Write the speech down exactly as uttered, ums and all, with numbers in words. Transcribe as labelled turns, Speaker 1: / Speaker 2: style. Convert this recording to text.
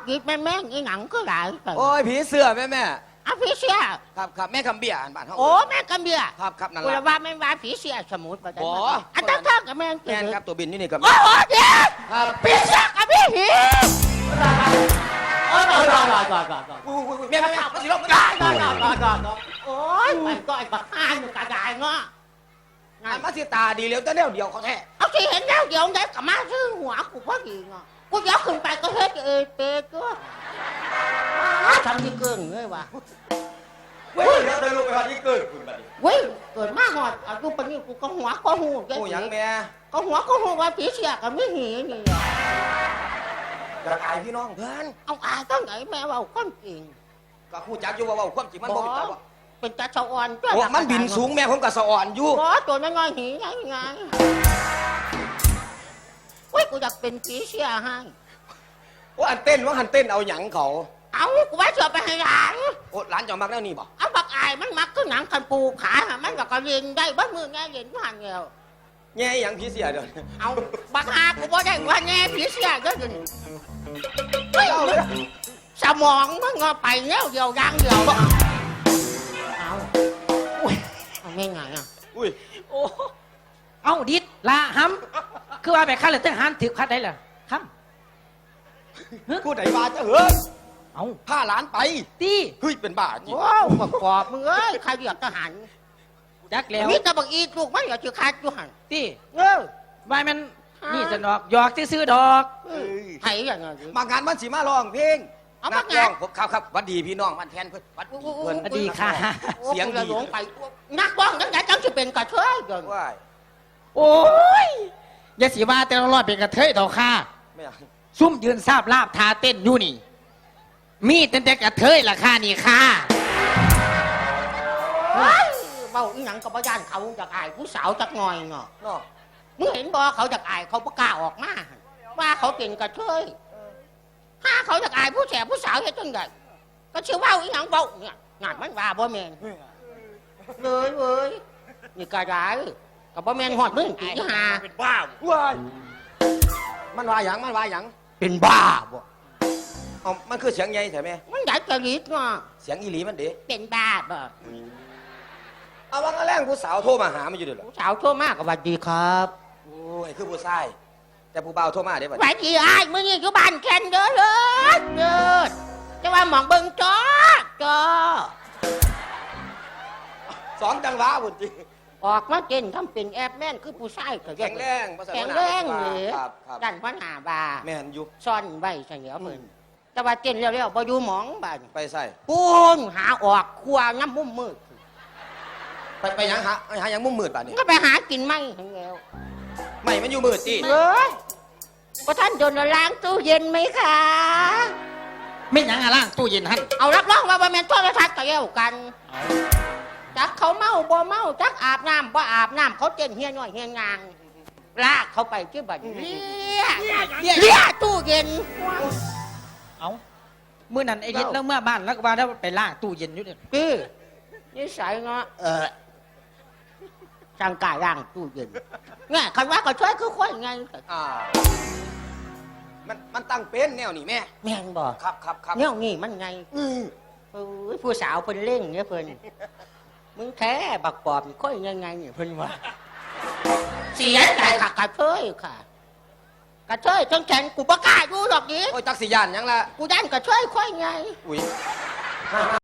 Speaker 1: ยิบแม่แม่งอีหนังก็หลายแต่
Speaker 2: โอ้ยผีเสื้อแม่แม่
Speaker 1: อ่ะผีเสีย
Speaker 2: ครับครับแม่คำเบี้ยอ่านบ้านเขา
Speaker 1: โอ้แม่กำเบีย
Speaker 2: ครับครับนั่น
Speaker 1: กู
Speaker 2: แห
Speaker 1: ละ
Speaker 2: ละ
Speaker 1: ว่าแม่ว่าผีเสียสมุดประเดี๋
Speaker 2: บ่
Speaker 1: ยวอันตั้งเท่ากับแม่ง
Speaker 2: แม่นครับตัวบินอยู่นี่กับ
Speaker 1: โอ้โหเดี๋ยว
Speaker 2: ครับ
Speaker 1: ผีเสียกับผีหีโอ้ยรอรอรอรอรอ
Speaker 2: อุ้ยอุ้ยอุ้ยแม่แม่แม่มาสิลง
Speaker 1: รอรอรอรอรอรอโอ้ยมันก็ไอ้บักอ้ายมันกระจายเนาะ
Speaker 2: อ่านมาสิตาดีเร็วแต่เดียวเดียวเขาแท้
Speaker 1: เอาที่เห็นแล้วเดี๋ยวได้กลับมาซื้อหัวกูพอดีเนาะกูเดี๋ยวขึ้นไปก็เฮ็ดเอเปก็ทำที่เกินเลยวะ
Speaker 2: เว้ยเดี๋ยวเดินลงไปวันที่เกิดคุณบัดนี้
Speaker 1: เว้ยเกิดมาหอดอายุปานนี้กูก็หัวก็หู
Speaker 2: โอ้ยังแม่
Speaker 1: ก็หัวก็หูว่าผีเสียกับไม่หีนี่
Speaker 2: กระกายพี่น้องเพื่อน
Speaker 1: เอาอายตั้งไหนแม่ว่าความจริง
Speaker 2: ก็คู่จักอยู่ว่าว่าความจริงมันบ่มีจักว่า
Speaker 1: เป็นตาชาวอ่อน
Speaker 2: โอ้มันบินสูงแม่ผมก็สะอ่อนอยู่
Speaker 1: บอตัวน้อยๆหีไงไงเว้ยกูอยากเป็นผีเสียให้
Speaker 2: โอ้อันเต้นว่าหันเต้นเอาหยังเขา
Speaker 1: เอากูว่าจะไปให้หลาน
Speaker 2: โอ้ร้านเจ้ามักแล้วนี่บ่
Speaker 1: เอาบักอายมันมักก็หนังคันปูขามันก็กระเรียนได้บ้านมือไงเรียนผ่านเดียว
Speaker 2: แง่หยังผีเสียเด้อ
Speaker 1: เอาบักอากูบ่ได้ว่าแง่ผีเสียก็ถึงเฮ้ยสมองมันงอไปแล้วเดียวยังเดียวเอาอุ้ยเอาไม่ไงอ่ะ
Speaker 2: อุ้ย
Speaker 3: โอ้เอ้าดิดละห้ำคือว่าแบบข้าเลยทหารถือคัดได้เหรอครับ
Speaker 2: กูไหนบ้าจะเฮ้ย
Speaker 3: เอ้า
Speaker 2: พาหลานไป
Speaker 3: ตี
Speaker 2: เฮ้ยเป็นบ้าจริง
Speaker 1: โอ้ประกอบมึงเอ้ยใครอยากทหาร
Speaker 3: จักแล้ว
Speaker 1: มีแต่บักอีลูกมันอยากจะขาดอยู่หัน
Speaker 3: ตี
Speaker 1: เออ
Speaker 3: วายมันนี่จะดอกหยอกซื้อๆดอก
Speaker 1: ไผ่อย่างเงี้ย
Speaker 2: มางานมันสิมาร้องเพลง
Speaker 1: เอา
Speaker 2: นั
Speaker 1: มาก งาน
Speaker 2: ร้องผมครับครับหวัดดีพี่น้องมันแทนเพื่อนหวัดดีเพื่อน
Speaker 3: สวัสดีค่ะ
Speaker 2: เสียงดี
Speaker 1: หลงไปนักร้องนักไหนจังจะเป็นกระเทยเกิน
Speaker 2: ว้าย
Speaker 3: โอ้ยอย่าสีว่าแต่ละรอดเป็นกระเทยดอกค่ะ
Speaker 2: ไม่เอา
Speaker 3: ซุ่มยืนทราบลาบทาเต้นอยู่นี่ มีแต่แต่กระเทยล่ะค่ะนี่ค่ะ
Speaker 1: เฮ้ยเบาอีหยังกับย่านเขาจากอายผู้สาวจากหน่อยเนาะ
Speaker 2: เนาะ
Speaker 1: มึงเห็นบ่เขาจากอายเขาประกล้าออกมาว่าเขาเป็นกระเทยถ้าเขาจากอายผู้แสบผู้สาวเฮ็ดจังไดก็ชื่อว่าอีหยังเบาเนี่ยงานมันว่าบ่แม่นเลยเว้ยนี่กระไรกับบ่แม่นฮอดมึงตีหา
Speaker 2: เป็นบ้าว้ายมันว่าหยังมันว่าหยัง
Speaker 1: เป็นบ้าบ่
Speaker 2: เอามันคือเสียงใหญ่ใช่ไหม
Speaker 1: มันอยากจะรีดเนาะ
Speaker 2: เสียงอีหลีมันเด้
Speaker 1: เป็นบ้าบ่
Speaker 2: เอาว่ากระแรงผู้สาวโทรมาหามันอยู่เด้อเหรอ
Speaker 1: ผู้สาวโทรมาก็สวัสดีครับ
Speaker 2: โอ้ยคือผู้ชายแต่ผู้บ่าวโทรมาเด้บัด
Speaker 1: สวัสดีอ้ายมื้อนี้อยู่บ้านแคนเด้อเด้อเด้อจะว่าหมองเบิ่งจอจอ
Speaker 2: สองจังหวะพุ่นจริง
Speaker 1: ออกมาเต้นทำเป็นแอบแม่นคือผู้ชายก็
Speaker 2: แข็งแรงภาษา
Speaker 1: แข็งแรงเลย
Speaker 2: ครับครับ
Speaker 1: ดันพันหาบา
Speaker 2: แม่นอยู่
Speaker 1: ซ่อนไว้เฉลียวเพิ่นแต่ว่าเต้นแล้วๆบ่อยู่หมองบ้าน
Speaker 2: ไปใส่
Speaker 1: ปูนหาออกครัวน้ำมุมมืด
Speaker 2: ไปไปหยังหาหาหยังมุมมืดบาดนี้
Speaker 1: ก็ไปหากินไม่ทั้งแล้ว
Speaker 2: ไม่มันอยู่มืดติ
Speaker 1: เอ้ยก็ท่านโดนล้างตู้เย็นไหมคะ
Speaker 3: ไม่หยังอะล่างตู้เย็นหัน
Speaker 1: เอารับรองว่าบ่แม่นโทรทัศน์ก็แล้วกันจักเขาเมาบ่เมาจักอาบน้ำบ่อาบน้ำเขาเต้นเฮียน้อยเฮียงางลากเขาไปที่บัดเลี้ยเลี้ยตู้เย็น
Speaker 3: เอาเมื่อนั้นไอ้ดิดแล้วเมื่อบ้านแล้วก็ว่าแล้วไปล่างตู้เย็นอยู่เนี่ย
Speaker 1: พี่นิสัยเนาะเออร่างกายร่างตู้เย็นเนี่ยคันว่าก็ช่วยคือค่อยไง
Speaker 2: อ่ามันมันตั้งเป็นแนวนี่แม่
Speaker 1: แม่งบอก
Speaker 2: ครับครับครับ
Speaker 1: เนี่ยนี่มันไง
Speaker 2: อือ
Speaker 1: เออผู้สาวเพิ่นเล่งเนี่ยเพิ่นมึงแท้บักปอบค่อยยังไงเนี่ยเพิ่นว่าเสียใจค่ะกระเทยค่ะกระเทยจังแขนกูประกล้าศดูหรอกดิ
Speaker 2: โอ้ยจักสิยานหยังละ
Speaker 1: กูด้านกระเทยค่อยไง
Speaker 2: อุ้ย